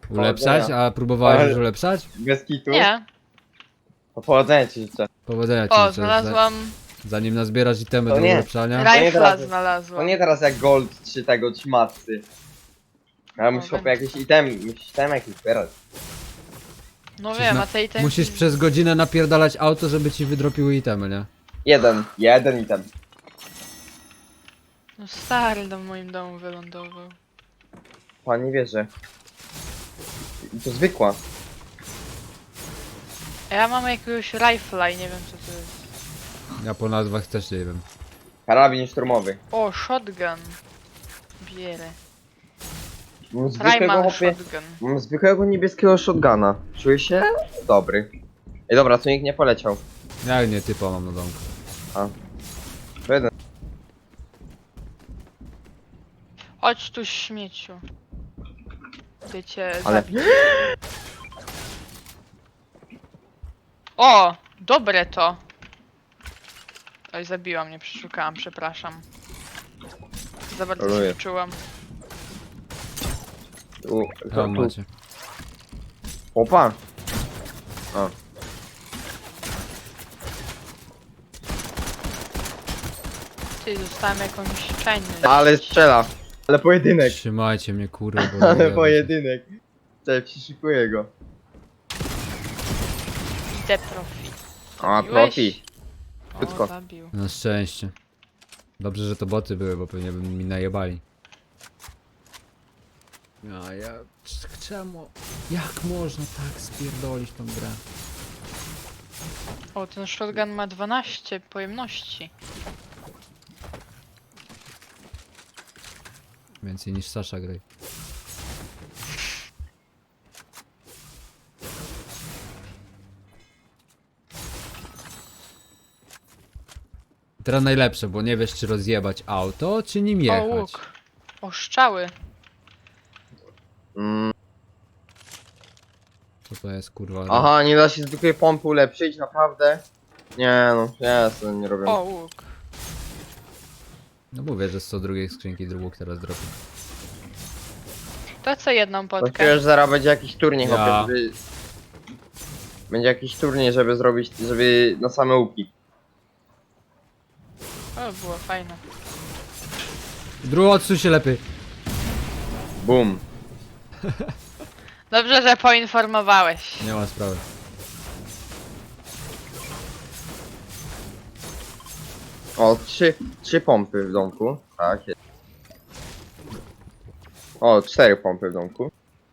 Ulepszać? A próbowałeś już ulepszać? Bez kitu? Nie. To powodzenia ci życzę. Powodzenia ci O, życzę. znalazłam Zanim nazbierasz itemy To do nie. ulepszania. nie rifla teraz- To znalazłam. nie teraz jak gold czy tego, czy matcy. Ja muszę wiem. po jakieś itemy, musisz tam jakieś zbierać. No wiem, a tej ten. Musisz przez godzinę napierdalać auto, żeby ci wydropiły itemy, nie? Jeden item. No stary do moim domu wylądował. Pan nie wierzy. I to zwykła. A ja mam jakiegoś rifla i nie wiem co to jest. Ja po nazwach też nie wiem. Karabin szturmowy. O, shotgun. Bierę. Mam zwykłego, Primal chłopie, shotgun. mam zwykłego niebieskiego shotguna. Czuję się dobry. Ej dobra, tu nikt nie poleciał. Jak nie, typa mam na domku. To jeden. Chodź tu śmieciu. Wiecie, Ale- O! Dobre to! Oj, zabiła mnie, przeszukałam, przepraszam. Za bardzo się Troluję. wczułam. Tam macie. Opa! A. Ty, dostałem jakąś czajność. Ale strzela. Ale pojedynek. Trzymajcie mnie, kurwa, bo Ale zajebę się. pojedynek. Cześć, przyszykuję go. Idę profi. A, Zabiłeś? profi. O, Krótko. zabił. Na szczęście. Dobrze, że to boty były, bo pewnie by mi najebali. A ja... Czemu? Jak można tak spierdolić tą grę? O, ten shotgun ma 12 pojemności. Więcej niż Sasha Grey. Teraz najlepsze, bo nie wiesz czy rozjebać auto, czy nim O, jechać. łuk. O, strzały. Mm. Co to jest kurwa? Aha, nie da się zwykłej pompy ulepszyć, naprawdę? Nie no, ja sobie nie robię. O, łuk. No mówię, że z co drugiej skrzynki łuk teraz dropi. To co jedną To potkę? czujesz, zaraz będzie jakiś turniej, Ja. chłopie, żeby... Będzie jakiś turniej, żeby zrobić, żeby na same łuki. O, było fajne. Drugi odsuń się lepiej. Boom. Dobrze, że poinformowałeś. Nie ma sprawy. O, trzy pompy w domku. Tak, jest. O, 4 pompy w domku.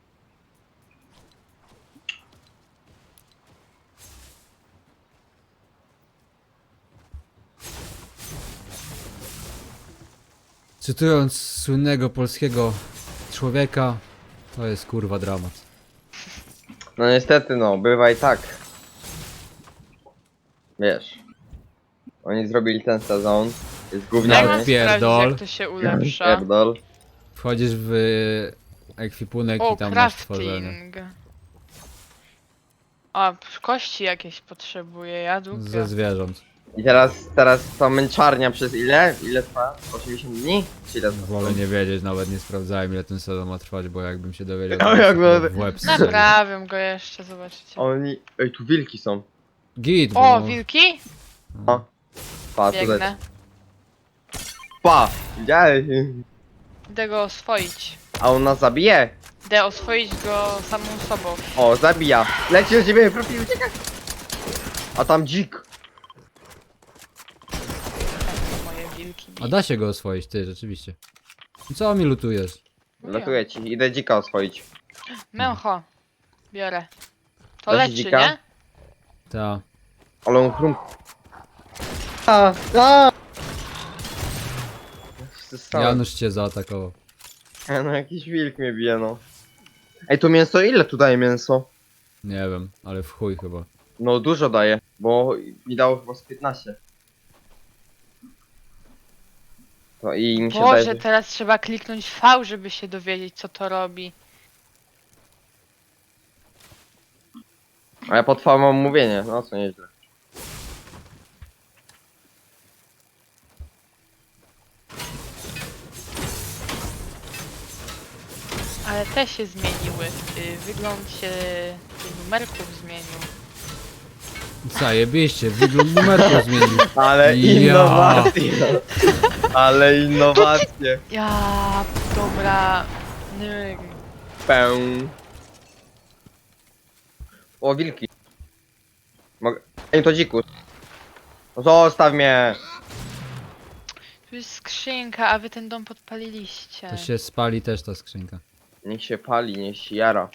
Cytując słynnego polskiego człowieka, to jest kurwa dramat. No niestety no, bywa i tak. Wiesz. Oni zrobili ten sezon. Jest Jak gówniany. mam pierdol. sprawdzić, jak to się ulepsza? Pierdol. Wchodzisz w ekwipunek O, i tam masz tworzenie. crafting. O, kości jakieś potrzebuję, ja Ze dupia. zwierząt. I teraz ta męczarnia przez ile? Ile trwa? 80 dni? Czy ile trwa? Wolę nie wiedzieć, nawet nie sprawdzałem ile ten sezon ma trwać, bo jakbym się dowiedział, No, to jakby- w łeb strzelił. Naprawiam go jeszcze, zobaczycie. Oni... Ej, tu wilki są. Git, O, bo... wilki? Pa, tutaj. Biegnę. Pa! Widziałeś? Idę go oswoić. A on nas zabije? Idę oswoić go samą sobą. O, zabija. Leci do ciebie, profi, uciekaj! A tam dzik. Moje wilki. A da się go oswoić, ty, rzeczywiście. Co mi lutujesz? Latuje ci, idę dzika oswoić. Męcho. Biorę. To Da się leczy, dzika? nie? Ta. Ale on chrum... A! Janusz cię zaatakował. No jakiś wilk mnie bije, no. Ej, to mięso, ile tu daje mięso? Nie wiem, ale w chuj chyba. No dużo daje, bo mi dało chyba z 15. No i mi się Boże, daje, że... teraz trzeba kliknąć V, żeby się dowiedzieć, co to robi. A ja pod V mam mówienie, no co nieźle. A Ale te się zmieniły. Wygląd się tych numerków zmienił. Zajebiście, wygląd numerku zmienił. Ale Ja. innowacje. Ale innowacje. Ja, dobra. Nie. Pę. O, wilki. Mogę... Ej, to dzikus. Zostaw mnie. Tu jest skrzynka, a wy ten dom podpaliliście. To się spali też ta skrzynka. Niech się pali, niech się jara.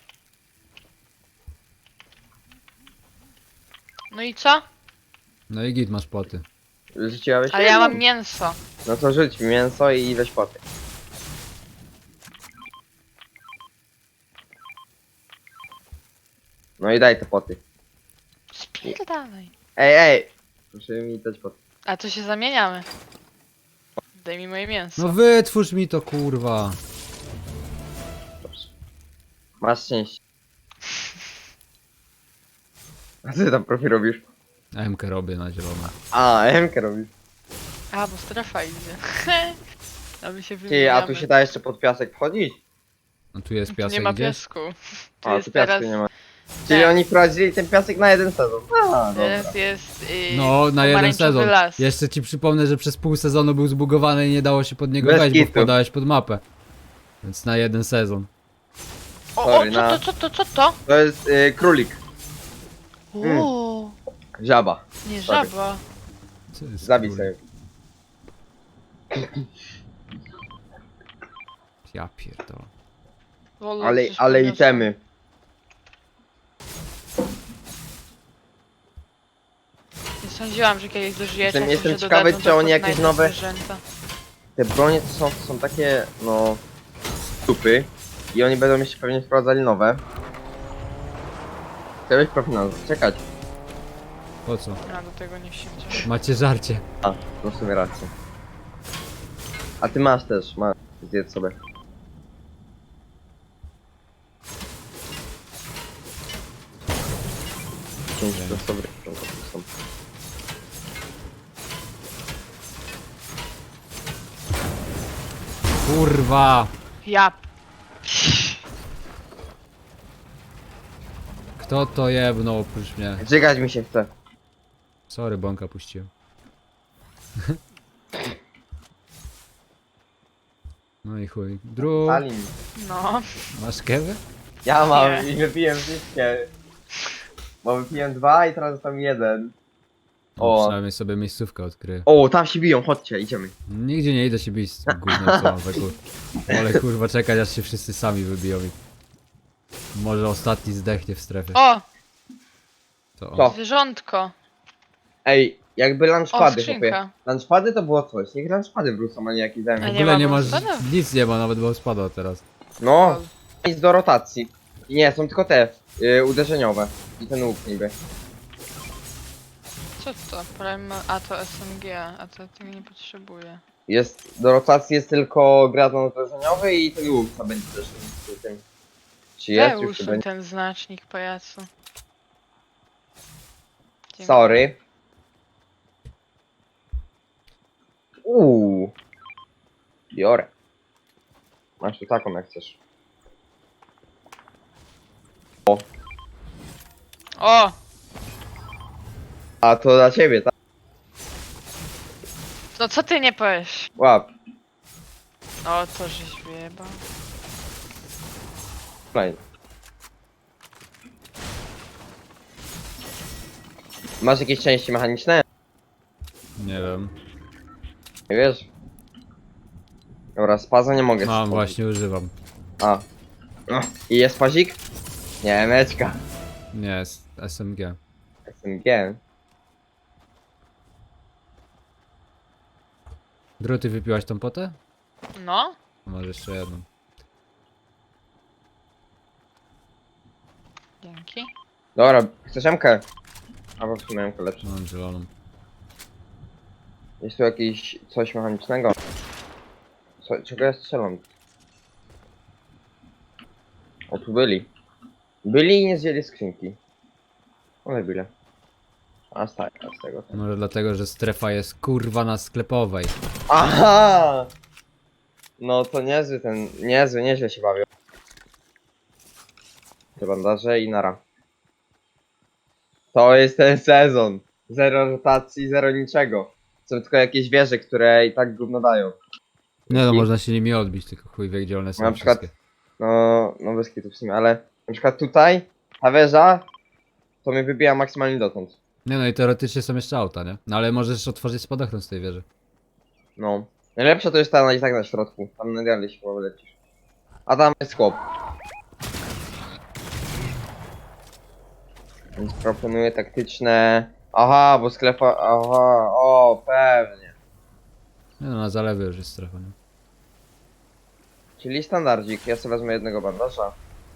No i co? No i git, masz poty. Rzuciłeś? Ale ja mam mięso. No to rzuć mi mięso i weź poty. No i daj te poty. Spierdalaj. Ej! Proszę mi dać poty. A to się zamieniamy. Daj mi moje mięso. No wytwórz mi to, kurwa. Dobrze. Masz szczęście. A co ty tam profi robisz? MK robię na zielono. A, M-kę robisz. A, bo strefa idzie. A my się Ty, a wymieniamy. tu się da jeszcze pod piasek wchodzić? No tu jest Tu piasek nie ma gdzieś? piasku. Tu A, jest tu piasku teraz... nie ma. Czyli tak. oni wprowadzili ten piasek na jeden sezon. A, dobra. Teraz jest No, na jeden pomarańczowy sezon. las. Jeszcze ci przypomnę, że przez pół sezonu był zbugowany i nie dało się pod niego Bez wejść, bo kitu. wpadałeś pod mapę. Więc na jeden sezon. O, Sorry, co to? To jest królik. Uuu, Żaba. nie Sorry. żaba. Co jest, Zabij kurwa? sobie. Ja pierdolę. Wolę Ale, coś ale podniosę. itemy. Nie sądziłam, że kiedyś dożyjecie. Jestem ciekawy, czy oni jakieś nowe- Zwierzęta. Te bronie to są takie, no... Stupy. I oni będą jeszcze pewnie wprowadzali nowe. Chciałbyś profi nas czekać. Po co? A do tego nie wsiądzie. Macie żarcie. A, no w sumie rację. A ty masz też, masz. Zjedz sobie. Pięć to dobry, to są. Kurwa! Ja. Kto to jebnął oprócz mnie? Żygać mi się chce. Sorry, bąka puściłem. No i chuj. Dru, Salim. No. masz kewę? Ja mam Nie. i wypiłem wszystkie. Bo wypiłem dwa i teraz został mi jeden. O. O. Przynajmniej sobie miejscówkę odkryję. O, tam się biją, chodźcie, idziemy. Nigdzie nie idę się bić z tym gównem, co mam we kur... Ale kurwa czekać, aż się wszyscy sami wybiją i... Może ostatni zdechnie w strefie. O, To Co? on. zwierzątko. Ej, jakby O, lunchpady, chłopie. skrzynka. Lunchpady to było coś, niech lunchpady wrócą, a nie jakieś A zajmie. W nie ogóle ma nie masz... spada? Nic nie ma, nawet bo spada teraz. No, nic do rotacji. I nie, są tylko te uderzeniowe. I ten łuk niby. Co to? A to SMG, a to tego nie potrzebuję. Jest, do rotacji jest tylko gradon uderzeniowy i ten łuk, co będzie też w tym. Czy jest? Już Usuń chyba nie. ten znacznik, pajacu. Dziękuję. Sorry. Biorę. Masz tu taką jak chcesz. O! A to dla ciebie, tak? No co ty nie powiesz? Łap. O, to żeś wyjebał. Fajnie. Masz jakieś części mechaniczne? Nie wiem. Nie wiesz? Dobra, spaza nie mogę. Mam, stworzyć. właśnie używam. A. No. I jest pazik? Nie, meczka. Nie, jest SMG. SMG. Dru, ty wypiłaś tą potę? No? Masz jeszcze jedną. Dzięki. Dobra, chcesz MK? Albo w sumie MK lepsze. Mam zieloną. Jest tu jakieś coś mechanicznego? Czego ja strzelam? O, tu byli. Byli i nie zjęli skrzynki. One byli. A z tego. Może dlatego, że strefa jest kurwa na sklepowej. Aha! No to niezły nieźle się bawią. Te bandaże i nara. To jest ten sezon. Zero rotacji, zero niczego. Są tylko jakieś wieże, które i tak gówno dają. Nie no, I- można się nimi odbić, tylko chuj wie gdzie one są Na przykład, wszystkie. no bez kitu w sumie, ale na przykład tutaj, ta wieża, to mnie wybija maksymalnie dotąd. Nie no i teoretycznie są jeszcze auta, nie? No ale możesz otworzyć spadochron z tej wieży. No. Najlepsza to jest ta i tak na środku. Tam na dalej się chyba lecisz. A tam jest chłop. Więc proponuję taktyczne... Aha, bo sklepa... Aha, o, pewnie. Nie no, na zalewie już jest strefa, nie? Czyli standardzik. Ja sobie wezmę jednego bandaża.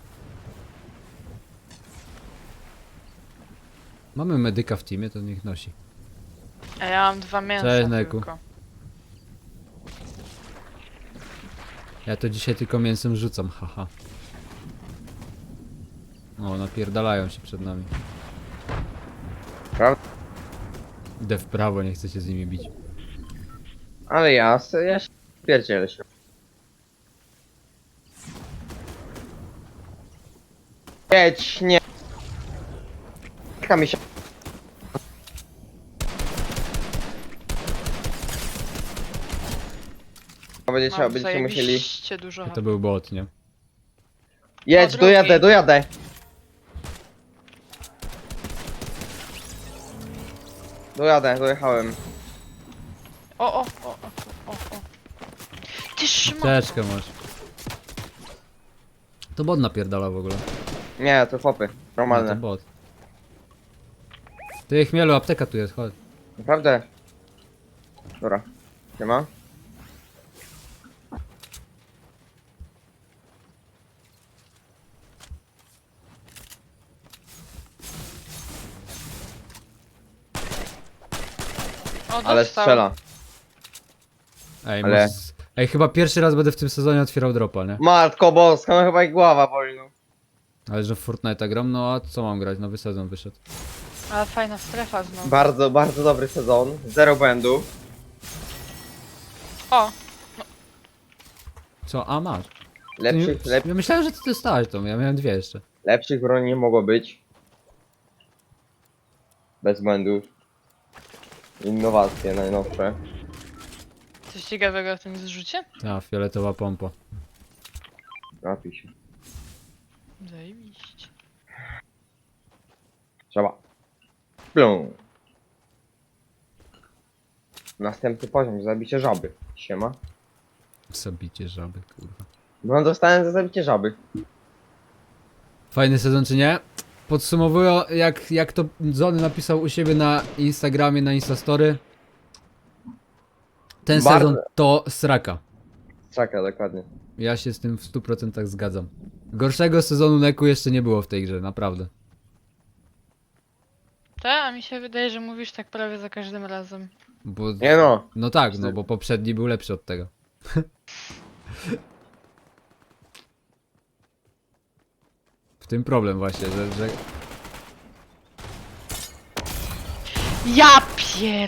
Mamy medyka w teamie, to niech nosi. A ja mam 2 mięsa Cześć, Neku. tylko. Ja to dzisiaj tylko mięsem rzucam, haha. O, napierdalają się przed nami. Prawda? Idę w prawo, nie chcę się z nimi bić. Ale ja się pierdzielę się. Jedź, nie. Czeka mi się. Mam Będziecie musieli... zajebiście dużo To był bot, nie? Jedź, drugi. dojadę, dojadę. Dojadę, dojechałem. O. Ty szma... Teczkę masz. To bot napierdala w ogóle. Nie, to chłopy. No, to Normalne. bot. Ty chmielu, apteka tu jest, chodź. Naprawdę. Dobra. Siema. O, Ale dostał. strzela. Ej, Ale- może... Ej, chyba pierwszy raz będę w tym sezonie otwierał dropa, nie? Matko boska, no chyba i głowa boli, no. Ale że w Fortnite'a gram, no a co mam grać? Nowy sezon wyszedł. Ale fajna strefa znowu. Bardzo, bardzo dobry sezon. Zero błędów. O, Co? A, masz. Lepszych, Ty nie- Ja myślałem, że ty dostałeś tą, ja miałem dwie jeszcze. lepszych broni nie mogło być. Bez błędów. Innowacje najnowsze. coś ciekawego w tym zrzucie? Ta, fioletowa pompa. Napij się. Zajebiście. Trzeba. Plum. Następny poziom, zabicie żaby. Siema. Zabicie żaby, kurwa. No dostałem za zabicie żaby. Fajny sezon czy nie? Podsumowując, jak to Zony napisał u siebie na Instagramie, na Instastory. Ten Bardzo- sezon to sraka. Czeka, dokładnie. Ja się z tym w 100% zgadzam. Gorszego sezonu Neku jeszcze nie było w tej grze, naprawdę. A mi się wydaje, że mówisz tak prawie za każdym razem. Bo, Nie no. no tak, no bo poprzedni był lepszy od tego. W tym problem właśnie, że Ja pier...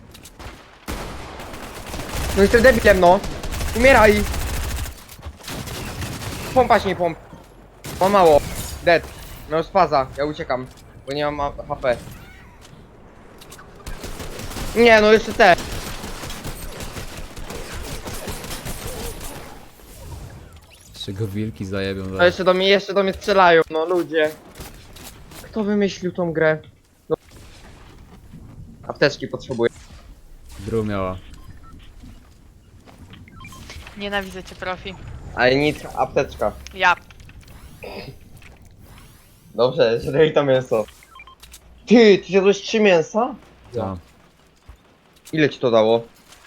No jestem debilem, no. Umieraj. Pompać nie pomp. Ma mało. Dead. No spaza. Ja uciekam. Bo nie mam HP. Nie, no jeszcze te. jeszcze go wilki zajebią. No zaraz. jeszcze do mnie strzelają. No ludzie. Kto wymyślił tą grę? No. Apteczki potrzebuję. Dru miała. Nienawidzę cię, profi. Ale nic, apteczka. Ja. Dobrze, że daj to mięso. Ty zjadłeś 3 mięsa? Ta. Ile ci to dało?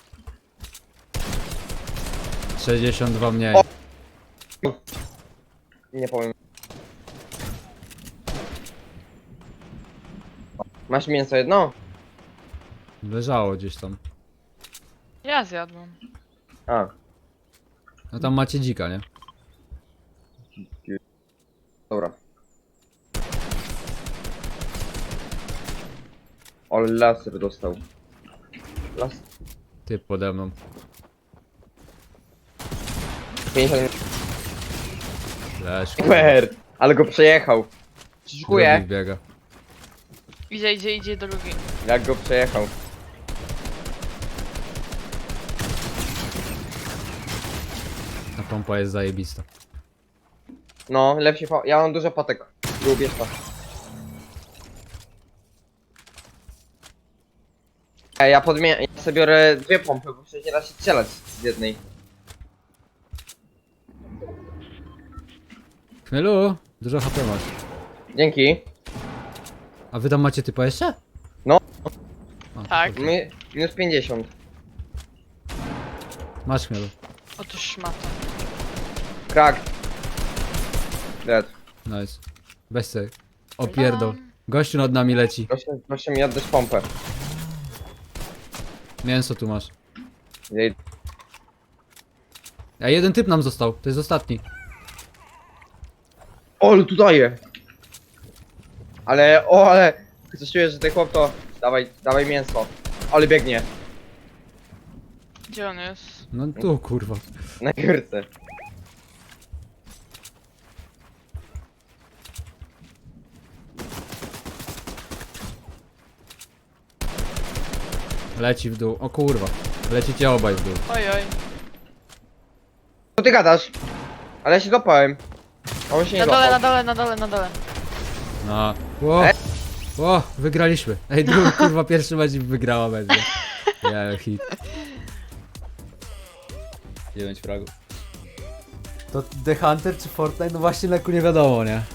62 mniej. O! Nie powiem. Masz mięso jedno? Leżało gdzieś tam. Ja zjadłam. A, No tam macie dzika, nie? dobra. Ale laser dostał. Las... Typ pode mną. 50 Leż, kurwa. Super! Ale go przejechał. Drugi Przyszukuję. biega. Idzie drugi. Jak go przejechał. Ta pompa jest zajebista. No, lepszy ja mam dużo potek. Lubię to. Ej, ja sobie biorę dwie pompy, bo przecież nie da się strzelać z jednej. Chmielu, dużo HP masz. Dzięki. A wy tam macie typa jeszcze? No. A, Tak. to- Minus 50. Masz chmielu. Otóż szmata. Krak. Dead. Nice. Weź sobie. Opierdol. Gościu nad nami leci. Proszę mi oddać pompę. Mięso tu masz. Jej- A jeden typ nam został. To jest ostatni. O, ale tu daje. Ale, coś czuję, że ten chłop to... Dawaj mięso. Ale biegnie. Gdzie on jest? No tu kurwa. Na górce. Leci w dół. O kurwa. Lecicie obaj w dół. Ojoj. Co ty gadasz? Ale ja się dopałem. A on się nie Na dole, dopał. na dole. No. Ło. Ło, wygraliśmy. Ej, drugi kurwa pierwszy mecz i wygrała będzie. Ja hit. 9 fragów. To The Hunter czy Fortnite? No właśnie leku nie wiadomo, nie?